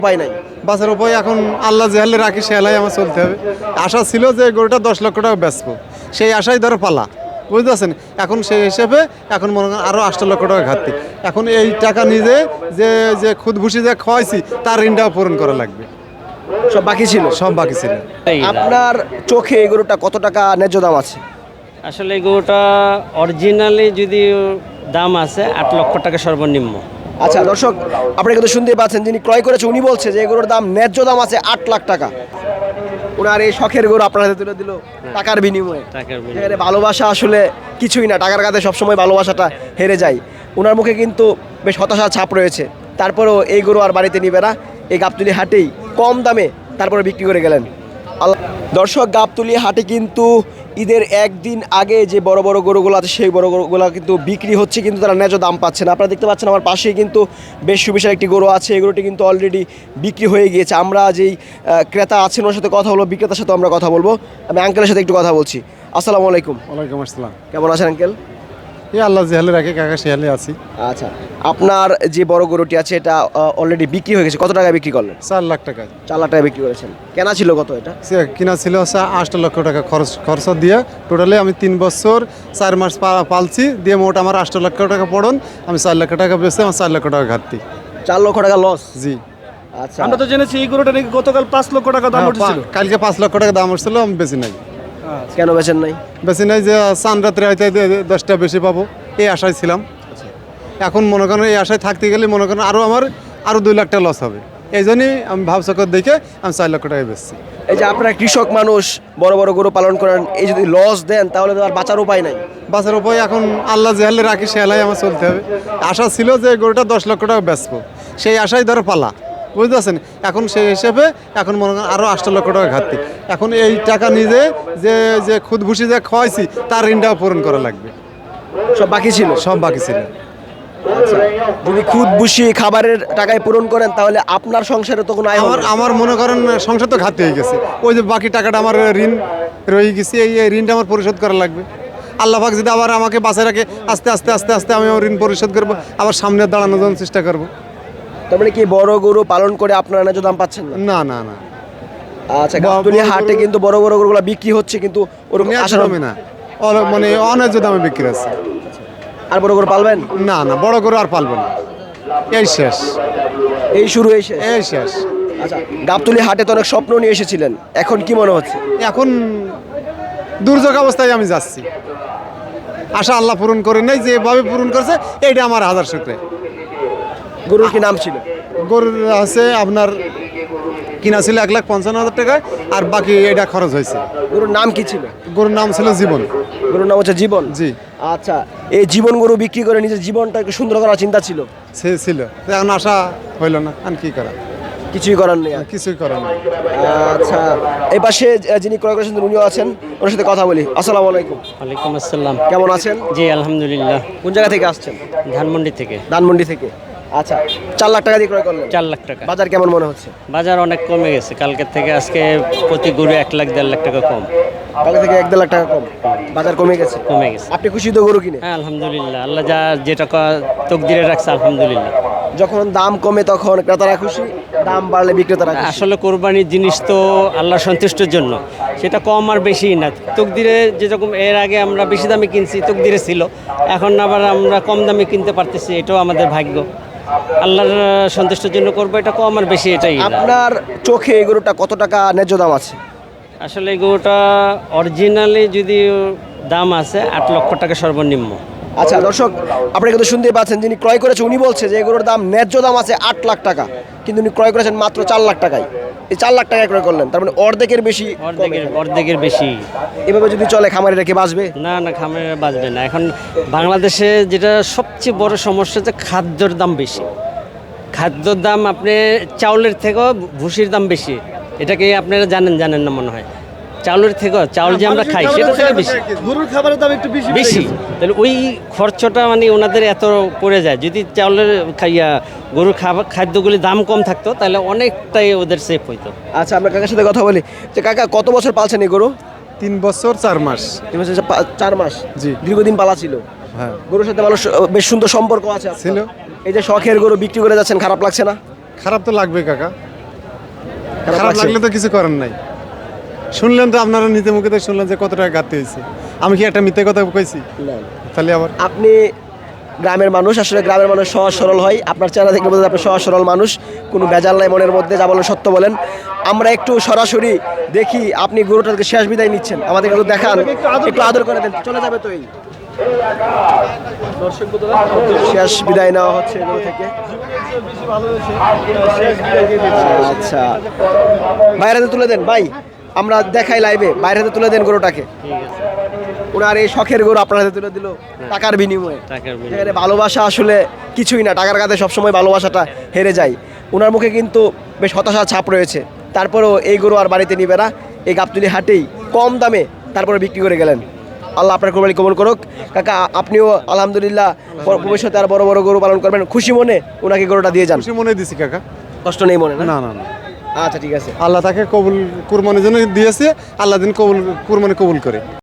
উপায় নাই। বাসের উপায় এখন আল্লাহ জেহালে রাখি সে হেলাই আমার চলতে হবে। আশা ছিল যে গরুটা 10 লক্ষ টাকা বেচবো, সেই আশাই ধরো পালা, বুঝতে পারছেন। এখন সেই হিসেবে এখন মনে করেন আরও 8 লক্ষ টাকা ঘাটতি। এখন এই টাকা নিজে যে যে খুদ ভুসি যে খাওয়াইছি তার ঋণটাও পূরণ করা লাগবে। সব বাকি ছিল। সব বাকি ছিল। আপনার চোখে এই গরুটা কত টাকা ন্যায্য দাম আছে? আসলে এই গরুটা অরিজিনালি যদি দাম আছে 8 লক্ষ টাকা সর্বনিম্ন। আচ্ছা দর্শক, আপনি কিন্তু শুনতে পাচ্ছেন, যিনি ক্রয় করেছে উনি বলছে যে এই গরুর দাম ন্যায্য দাম আছে 8 লাখ টাকা। ওনার এই শখের গরু আপনার হাতে তুলে দিল টাকার বিনিময়ে। এখানে ভালোবাসা আসলে কিছুই না, টাকার কাছে সবসময় ভালোবাসাটা হেরে যায়। ওনার মুখে কিন্তু বেশ হতাশার ছাপ রয়েছে, তারপরেও এই গরু আর বাড়িতে নিবে না, এই গাবতলী হাটেই কম দামে তারপরে বিক্রি করে গেলেন। দর্শক, গাবতলী হাটে কিন্তু ঈদের একদিন আগে যে বড় বড় গরুগুলো আছে সেই বড় গরুগুলো কিন্তু বিক্রি হচ্ছে, কিন্তু তারা ন্যায্য দাম পাচ্ছে না। আপনারা দেখতে পাচ্ছেন আমার পাশেই কিন্তু বেশ সুবিশাল একটি গরু আছে, এই গরুটি কিন্তু অলরেডি বিক্রি হয়ে গিয়েছে। আমরা যেই ক্রেতা আছেন ওর সাথে কথা বলবো, বিক্রেতার সাথে আমরা কথা বলবো। আমি আঙ্কেলের সাথে একটু কথা বলছি। আসসালামু আলাইকুম। ওয়ালাইকুম আসসালাম। কেমন আছেন আঙ্কেল? এই আল্লাহ জেহালে রাখি কাকা সে হেলে আছি। আচ্ছা, আপনার যে বড় গরুটি আছে এটা অলরেডি বিক্রি হয়ে গেছে, কত টাকায় বিক্রি করলেন? 4 লাখ টাকা। 4 লাখ টাকায় বিক্রি করেছেন। কেনা ছিল কত এটা? সে কিনা ছিল 8 লক্ষ টাকা খরচ দিয়ে। টোটালি আমি 3 বছর 4 মাস পালছি, দিয়ে মোট আমার 8 লক্ষ টাকা পড়ন। আমি 4 লক্ষ টাকা বেচে আমার 4 লক্ষ টাকা ঘাটতি। 4 লক্ষ টাকা লস? জি। আচ্ছা, আমরা তো জেনেছি এই গরুটা নাকি গতকাল 5 লক্ষ টাকা দাম উঠেছিল। কালকে 5 লক্ষ টাকা দাম উঠছিল, আমি বেশি নাই। কেন বেচেন নাই? বেশি নাই যে চান রাত্রে হয়তো 10টা বেশি পাবো এই আশায় ছিলাম। এখন মনে করেন এই আশায় থাকতে গেলে মনে করেন আমার 2 লাখ টাকা লস হবে। এই জন্যই আমি ভাবচক্কর দেখে আমি 4 লক্ষ টাকা বেচছি। এই যে আপনারা কৃষক মানুষ, বড় বড় গরু পালন করেন, এই যদি লস দেন তাহলে তো আর বাঁচার উপায় নাই। বাসের উপায় এখন আল্লাহ জেহালে রাখি সে হেলাই আমার চলতে হবে। আশা ছিল যে গরুটা 10 লক্ষ টাকা বেচবো, সেই আশাই ধরো পালা, বুঝতে পারছেন। এখন সেই হিসেবে এখন মনে করেন আরও 8 লক্ষ টাকা ঘাটতি। এখন এই টাকা নিজে যে যে খুদ ভুসি যে খাওয়াইছি তার ঋণটাও পূরণ করা লাগবে। সব বাকি ছিল। সব বাকি ছিল। আচ্ছা, যদি খুদ বুসি খাবারের টাকায় পূরণ করেন তাহলে আপনার সংসারে তো কোনো আয় হবে না। আমার মনে করেন সংসার তো ঘাটতি হয়ে গেছে। ওই যে বাকি টাকাটা আমার ঋণ রয়ে গেছে, এই ঋণটা আমার পরিশোধ করা লাগবে। আল্লাহ পাক যদি আবার আমাকে বাঁচায় রাখে, আস্তে আস্তে আস্তে আস্তে আমি ঋণ পরিশোধ করবো, আবার সামনে দাঁড়ানোর জন্য চেষ্টা করবো। তার মানে কি বড় গরু পালন করে আপনারা ন্যায্য দাম পাচ্ছেন না? না না না, আচ্ছা, গাবতলী হাটে কিন্তু বড় বড় গরুগুলো বিক্রি হচ্ছে, কিন্তু ওরকম আশা দামে না, মানে অন্যায্য দামে বিক্রি আছে। আর বড় গরু পালবেন? না না, বড় গরু আর পালবো না, এই শেষ, এই শুরু এই শেষ। এই শেষ। আচ্ছা, গাবতলী হাটে তো অনেক স্বপ্ন নিয়ে এসেছিলেন, এখন কি মনে হচ্ছে? এখন দুর্যোগ অবস্থায় আমি যাচ্ছি, আশা আল্লাহ পূরণ করে নেই, যেভাবে পূরণ করছে এইটা আমার হাজার শুকরে। গরুর কি নাম ছিল? গরুর আছে আপনার কিনা ছিল 1,55,000 টাকায়, আর বাকি এটা খরচ হয়েছে। গরুর নাম কি ছিল? গরুর নাম ছিল জীবন। গরুর নাম হচ্ছে জীবন? জি। আচ্ছা, এই জীবন গরু বিক্রি করে নিজের জীবনটা একটু সুন্দর করার চিন্তা ছিল? সে ছিল, এখন আশা হইল না, আর কি করা, কিছুই করার নেই আর। কিছুই করার নেই। আচ্ছা, এই পাশে যিনি ক্রয় করেছেন উনিও আছেন, ওনার সাথে কথা বলি। আসসালামু আলাইকুম। ওয়ালাইকুম আসসালাম। কেমন আছেন? জি আলহামদুলিল্লাহ। কোন জায়গা থেকে আসছেন? ধানমন্ডি থেকে। ধানমন্ডি থেকে। আচ্ছা, 4 লাখ টাকা দিয়ে ক্রয় করলেন? 4 লাখ টাকা। বাজার কেমন মনে হচ্ছে? বাজার অনেক কমে গেছে, কালকের থেকে আজকে প্রতি গরু 1 লাখ 1.5 লাখ টাকা কম। কাল থেকে 1-1.5 লাখ টাকা কম, বাজার কমে গেছে। কমে গেছে। আপনি খুশি তো গরু কিনে? হ্যাঁ আলহামদুলিল্লাহ, আল্লাহ যা যে টাকা তকদিরে রাখছে আলহামদুলিল্লাহ। যখন দাম কমে তখন ক্রেতারা খুশি, দাম বাড়লে বিক্রেতারা খুশি। আসলে কোরবানির জিনিস তো আল্লাহর সন্তুষ্টির জন্য, সেটা কম আর বেশি না। তকদিরে যেরকম এর আগে আমরা বেশি দামে কিনছি, তকদিরে ছিল, এখন আবার আমরা কম দামে কিনতে পারতেছি, এটাও আমাদের ভাগ্য। আল্লাহর সন্তুষ্টির জন্য করবো, এটা কম আর বেশি এটাই না। আপনার চোখে এই গরুটা কত টাকা ন্যায্য দাম আছে? আসলে এই গরুটা অরিজিনালি যদি দাম আছে 8 লক্ষ টাকা সর্বনিম্ন। আচ্ছা দর্শক, আপনারা কিন্তু শুনতেই পাচ্ছেন, যিনি ক্রয় করেছে উনি বলছে যে এই গরুর দাম ন্যায্য দাম আছে 8 লাখ টাকা, কিন্তু উনি ক্রয় করেছেন মাত্র 4 লাখ টাকায়। এই 4 লাখ টাকায় ক্রয় করলেন, তার মানে অর্ধেকের বেশি। অর্ধেকের বেশি। এভাবে যদি চলে খামারে রেখে বাঁচবে? না না, খামারে বাঁচবে না। এখন বাংলাদেশে যেটা সবচেয়ে বড় সমস্যা, যে খাদ্যর দাম বেশি। খাদ্যর দাম আপনি চাউলের থেকেও ভুসির দাম বেশি, এটাকে আপনারা জানেন না মনে হয়। চাউলের থেকেও, চাউল যে আমরা খাই সেটা থেকে বেশি, গরুর খাবারের দাম একটু বেশি। তাহলে ওই খরচটা মানে ওনাদের এত পড়ে যায়। যদি চাউলের গরুর খাদ্যগুলি দাম কম থাকতো তাহলে অনেকটাই ওদের সেফ হইতো। আচ্ছা, আমরা কাকার সাথে কথা বলি। যে কাকা, কত বছর পালছেন এই গরু? 3 বছর 4 মাস। 3 বছর 4 মাস? জি। দীর্ঘদিন পালা ছিল। হ্যাঁ, গরুর সাথে মানুষ বেশ সুন্দর সম্পর্ক আছে আপনার। ছিল। এই যে শখের গরু বিক্রি করে যাচ্ছেন, খারাপ লাগছে না? খারাপ তো লাগবে কাকা, খারাপ লাগছে? লাগলে তো কিছু করার নাই। শুনলেন তো আপনারা নিজে মুখে তো শুনলেন যে কত টাকা ঘাটতি হয়েছে। আমি কি একটা মিথ্যে কথা কইছি? না। তাহলে আবার আপনি গ্রামের মানুষ, আসলে গ্রামের মানুষ সহজ সরল হয়। আপনার চেহারা দেখলে বোঝা যায় আপনি সহজ সরল মানুষ, কোনো ভেজাল নাই মনের মধ্যে, যা বলেন সত্য বলেন। আমরা একটু সরাসরি দেখি আপনি গরুটাকে শেষ বিদায় নিচ্ছেন, আমাদের একটু দেখান, একটু আদর করে দেন, চলে যাবে তো এই শেষ বিদায় নেওয়া হচ্ছে এগুলো থেকে। আচ্ছা বাইরে হাতে তুলে দেন ভাই, আমরা দেখাই লাইভে, বাইরে হাতে তুলে দেন গরুটাকে। ওনার এই শখের গরু আপনার হাতে তুলে দিল টাকার বিনিময়ে। এখানে ভালোবাসা আসলে কিছুই না, টাকার কাছে সবসময় ভালোবাসাটা হেরে যায়। ওনার মুখে কিন্তু বেশ হতাশার ছাপ রয়েছে, তারপরেও এই গরু আর বাড়িতে নিবে না, এই গাবতলী হাটেই কম দামে তারপরে বিক্রি করে গেলেন। আল্লাহ আপনার কোরবানি কবুল করুক। কাকা আপনিও আলহামদুলিল্লাহ ভবিষ্যতে আর বড় বড় গরু পালন করবেন, খুশি মনে ওনাকে গরুটা দিয়ে যান। খুশি মনে দিছি কাকা। কষ্ট নেই মনে না? না না না, আচ্ছা ঠিক আছে। আল্লাহ তাকে কবুল কুরবানির জন্য দিয়েছে, আল্লাহ দিন কবুল কুরবানি কবুল করে।